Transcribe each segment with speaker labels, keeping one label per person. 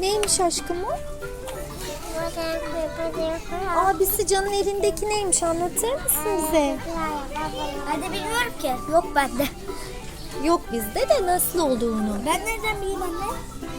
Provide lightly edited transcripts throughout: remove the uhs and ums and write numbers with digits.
Speaker 1: Neymiş aşkım o? Abisi Can'ın elindeki neymiş, anlatır mısın bize?
Speaker 2: Ben de bilmiyorum ki. Yok bende.
Speaker 1: Yok bizde de nasıl olduğunu.
Speaker 2: Ben nereden bileyim anne?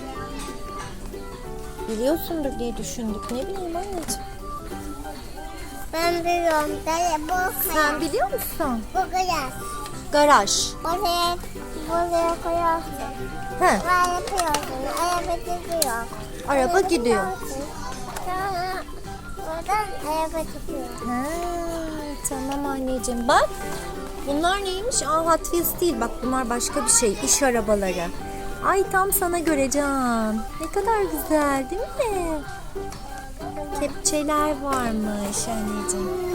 Speaker 1: Biliyorsundur diye düşündük. Ne bileyim anneciğim.
Speaker 2: Ben biliyorum.
Speaker 1: Sen biliyor musun?
Speaker 2: Bu kadar.
Speaker 1: Garaj.
Speaker 2: Buraya koyarsın.
Speaker 1: He,
Speaker 2: Ve yapıyorsun. Araba gidiyor.
Speaker 1: araba gidiyor.
Speaker 2: Sonra oradan araba çıkıyor.
Speaker 1: Ha, tamam anneciğim. Bak. Bunlar neymiş? Hot Wheels değil. Bak bunlar başka bir şey. İş arabaları. Ay tam sana göre Can. Ne kadar güzel değil mi? Kepçeler varmış anneciğim.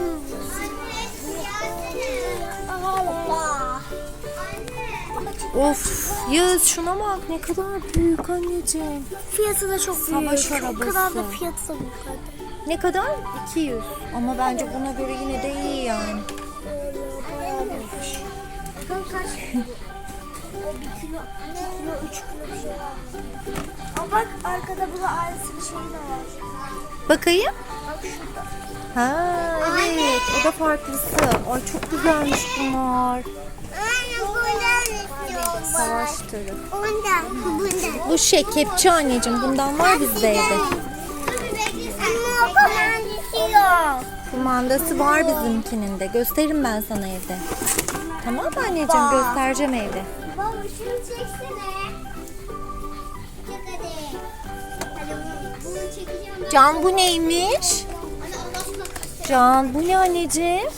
Speaker 1: Of Yağız şuna bak ne kadar büyük anneciğim.
Speaker 2: Fiyatı da çok büyük.
Speaker 1: Savaş
Speaker 2: O
Speaker 1: arabası.
Speaker 2: kadar da fiyatı da büyük.
Speaker 1: Ne kadar? 200. Ama bence buna göre yine de iyi yani.
Speaker 2: Kaç? O 1 kilo, 2 kilo, 3 kilo bir şey var. Aa bak arkada bunun aynısı bir şey de var.
Speaker 1: Bakayım.
Speaker 2: Bak şurada.
Speaker 1: Ha evet o da farklısı. Ay çok güzelmiş bunlar.
Speaker 2: Anne bundan istiyorum.
Speaker 1: Savaş türü.
Speaker 2: Bundan.
Speaker 1: Bu şey kepçe anneciğim, bundan var bizde evde.
Speaker 2: Ama o kumandası yok.
Speaker 1: Kumandası var bizimkinin de. Gösteririm ben sana evde. Tamam mı anneciğim? Göstereceğim evde.
Speaker 2: Baba şunu çeksene. Çek hadi. Hadi bunu çekeceğim.
Speaker 1: Can bu neymiş?
Speaker 2: Hadi Allah aşkına kaç.
Speaker 1: Can bu ne anneciğim?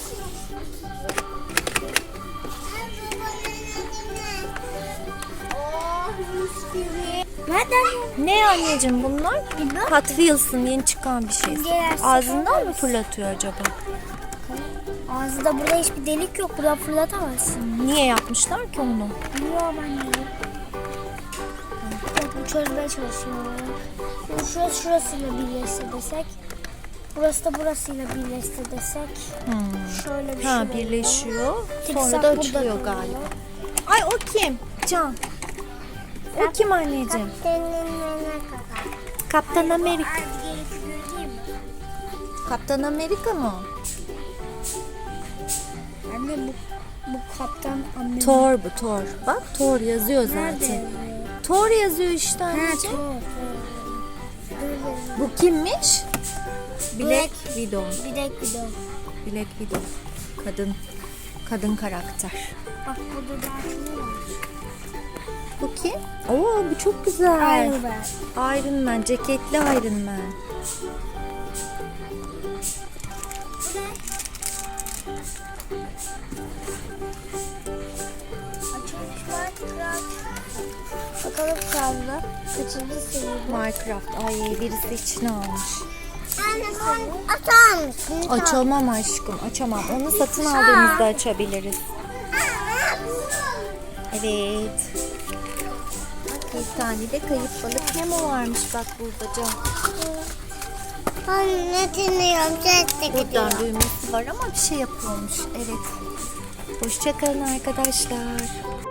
Speaker 2: Nereden?
Speaker 1: Ne anneciğim bunlar? Hot Wheels'ın yeni çıkan bir şey.
Speaker 2: Gelirsin.
Speaker 1: Ağzından mı fırlatıyor acaba?
Speaker 2: Ağzında burada hiçbir delik yok. Buradan fırlatamazsın.
Speaker 1: Niye yapmışlar ki onu?
Speaker 2: Bilmiyorum anne. Bak bu çözmeye çalışıyor. Şurası şurasıyla birleşse desek. Burası da burasıyla birleşse desek. Şöyle bir
Speaker 1: Ha
Speaker 2: şey
Speaker 1: birleşiyor.
Speaker 2: Tiksak
Speaker 1: Sonra da
Speaker 2: burada
Speaker 1: açılıyor
Speaker 2: duruyor.
Speaker 1: galiba. Ay o kim? Can. O kim anneciğim? Kaptan Amerika. Kaptan Amerika mı?
Speaker 2: Anne bu kaptan Amerika.
Speaker 1: Thor bu Thor. Bak Thor yazıyor zaten.
Speaker 2: Nerede?
Speaker 1: Thor yazıyor işte
Speaker 2: Ha,
Speaker 1: anneciğim.
Speaker 2: Thor.
Speaker 1: Bu kimmiş? Black Widow.
Speaker 2: Bir de gidiyor.
Speaker 1: Black Widow. Kadın karakter.
Speaker 2: Bak burada da ne var?
Speaker 1: Bu kim? Oo bu çok güzel.
Speaker 2: Iron Man.
Speaker 1: Iron Man. Ceketli Iron Man.
Speaker 2: Açılmış Minecraft. Bakalım kaldı. Kaçıncı seviyede?
Speaker 1: Minecraft. Ay birisi içine almış.
Speaker 2: Anne sen açar mısın?
Speaker 1: Açamam aşkım. Açamam. Onu satın aldığımızda açabiliriz. Evet. Bir tane de kayıp balık Nemo varmış bak burada Can.
Speaker 2: Anne dinliyorum. Ses de gidiyor.
Speaker 1: Buradan düğmesi var ama bir şey yapıyormuş. Evet. Hoşça kalın arkadaşlar.